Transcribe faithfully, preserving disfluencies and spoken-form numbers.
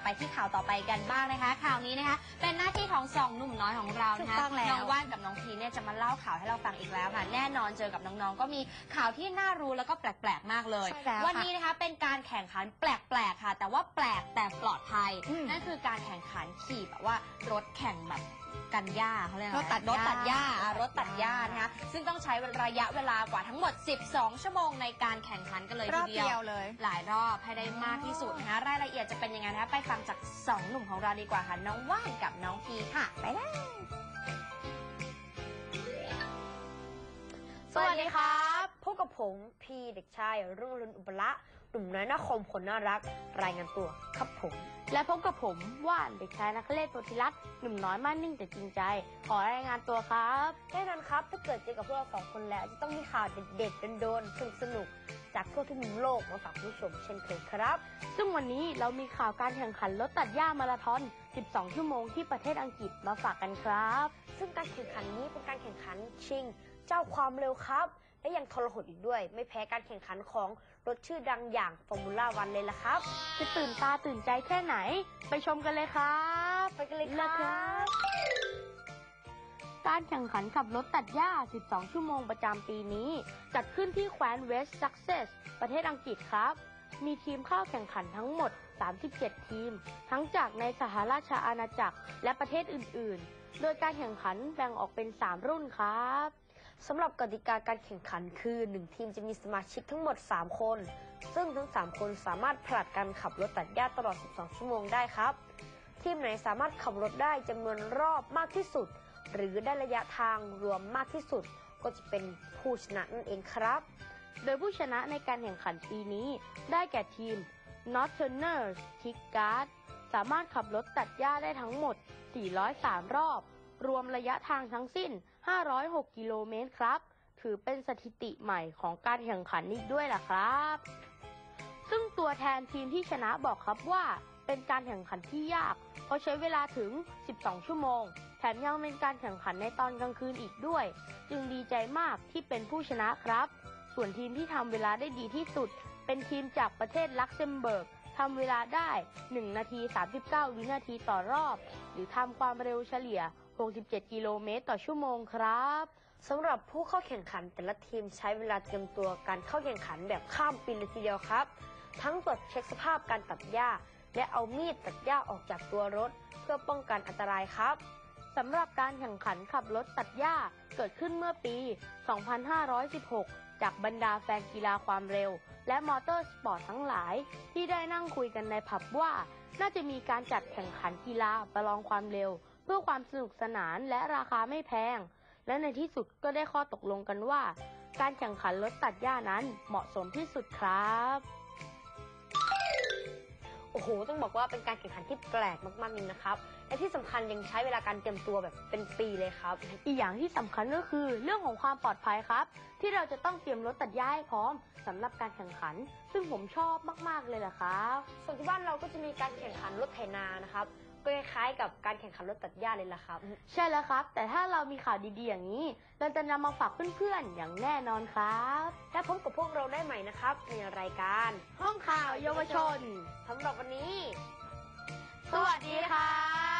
ไปที่ข่าวต่อไปกันบ้างนะคะข่าวนี้นะคะเป็นหน้าที่ของสองหนุ่มน้อยของเรานะคะน้องว่านกับน้องพีเนี่ยจะมาเล่าข่าวให้เราฟังอีกแล้วค่ะแน่นอนเจอกับน้องๆก็มีข่าวที่น่ารู้แล้วก็แปลกๆมากเลยวันนี้นะคะเป็นการแข่งขันแปลกๆค่ะแต่ว่าแปลกแต่ปลอดภัยนั่นคือการแข่งขันขี่แบบว่ารถแข่งแบบกันหญ้าเขาเรียกรถตัดรถตัดหญ้ารถตัดหญ้านะคะซึ่งต้องใช้ระยะเวลากว่าทั้งหมดสิบสองชั่วโมงในการแข่งขันกันเลยทีเดียวเลยหลายรอบให้ได้มากที่สุดนะคะรายละเอียดจะเป็นยังไงนะคะไปฟังจากสองหนุ่มของเราดีกว่าค่ะน้องว่านกับน้องพีค่ะไปได้สวัสดีครับพบกับผมพีเด็กชายรุ่งอรุณอุปละหนุ่มน้อยนาคมคนน่ารักรายงานตัวครับผมและพบกับผมว่านเด็กชายนักเล่นโพธิรัตน์หนุ่มน้อยมั่นนิ่งแต่จริงใจขอรายงานตัวครับแน่นอนครับถ้าเกิดเจอกับพวกเราสองคนแล้วจะต้องมีข่าวเด็ดๆโดนๆสนุกๆจากทั่วทุกมุมโลกมาฝากผู้ชมเช่นเคยครับซึ่งวันนี้เรามีข่าวการแข่งขันรถตัดหญ้ามาราธอนสิบสองชั่วโมงที่ประเทศอังกฤษมาฝากกันครับซึ่งการแข่งขันนี้เป็นการแข่งขันชิงเจ้าความเร็วครับและยังทรหดอีกด้วยไม่แพ้การแข่งขันของรถชื่อดังอย่างฟอร์มูล่าวันเลยล่ะครับจะตื่นตาตื่นใจแค่ไหนไปชมกันเลยครับไปกันเลยครับการแข่งขันขับรถตัดหญ้าสิบสองชั่วโมงประจำปีนี้จัดขึ้นที่แคว้นเวสต์ซักเซสประเทศอังกฤษครับมีทีมเข้าแข่งขันทั้งหมดสามสิบเจ็ดทีมทั้งจากในสหราชอาณาจักรและประเทศอื่นๆโดยการแข่งขันแบ่งออกเป็นสามรุ่นครับสำหรับกติกาการแข่งขันคือหนึ่งทีมจะมีสมาชิกทั้งหมดสามคนซึ่งทั้งสามคนสามารถผลัดกันขับรถตัดหญ้าตลอดสิบสองชั่วโมงได้ครับทีมไหนสามารถขับรถได้จำนวนรอบมากที่สุดหรือได้ระยะทางรวมมากที่สุดก็จะเป็นผู้ชนะนั่นเองครับโดยผู้ชนะในการแข่งขันปีนี้ได้แก่ทีม Northerners Tigard สามารถขับรถตัดหญ้าได้ทั้งหมดสี่ร้อยสามรอบรวมระยะทางทั้งสิ้นห้าร้อยหกกิโลเมตรครับถือเป็นสถิติใหม่ของการแข่งขันอีกด้วยล่ะครับซึ่งตัวแทนทีมที่ชนะบอกครับว่าเป็นการแข่งขันที่ยากเพราะใช้เวลาถึงสิบสองชั่วโมงแถมยังเป็นการแข่งขันในตอนกลางคืนอีกด้วยจึงดีใจมากที่เป็นผู้ชนะครับส่วนทีมที่ทำเวลาได้ดีที่สุดเป็นทีมจากประเทศลักเซมเบิร์กทำเวลาได้หนึ่งนาทีสามสิบเก้าวินาทีต่อรอบหรือทำความเร็วเฉลี่ยหกสิบเจ็ดกิโลเมตรต่อชั่วโมงครับสำหรับผู้เข้าแข่งขันแต่ละทีมใช้เวลาเตรียมตัวการเข้าแข่งขันแบบข้ามปีเลยทีเดียวครับทั้งตรวจเช็คสภาพการตัดหญ้าและเอามีดตัดหญ้าออกจากตัวรถเพื่อป้องกันอันตรายครับสำหรับการแข่งขันขับรถตัดหญ้าเกิดขึ้นเมื่อปี สองพันห้าร้อยสิบหก จากบรรดาแฟนกีฬาความเร็วและมอเตอร์สปอร์ตทั้งหลายที่ได้นั่งคุยกันในผับว่าน่าจะมีการจัดแข่งขันกีฬาประลองความเร็วเพื่อความสนุกสนานและราคาไม่แพงและในที่สุดก็ได้ข้อตกลงกันว่าการแข่งขันรถตัดหญ้านั้นเหมาะสมที่สุดครับโอ้โหต้องบอกว่าเป็นการแข่งขันที่แปลกมากๆนี่นะครับและที่สำคัญยังใช้เวลาการเตรียมตัวแบบเป็นปีเลยครับอีกอย่างที่สำคัญก็คือเรื่องของความปลอดภัยครับที่เราจะต้องเตรียมรถตัดหญ้าให้พร้อมสำหรับการแข่งขันซึ่งผมชอบมากๆเลยแหละครับส่วนที่บ้านเราก็จะมีการแข่งขันรถไถนานะครับก็คล้ายๆกับการแข่งขันรถตัดหญ้าเลยล่ะครับใช่แล้วครับแต่ถ้าเรามีข่าวดีๆอย่างนี้เราจะนำมาฝากเพื่อนๆอย่างแน่นอนครับและพบกับพวกเราได้ใหม่นะครับในรายการห้องข่าวเยาวชนสำหรับวันนี้สวัสดีครับ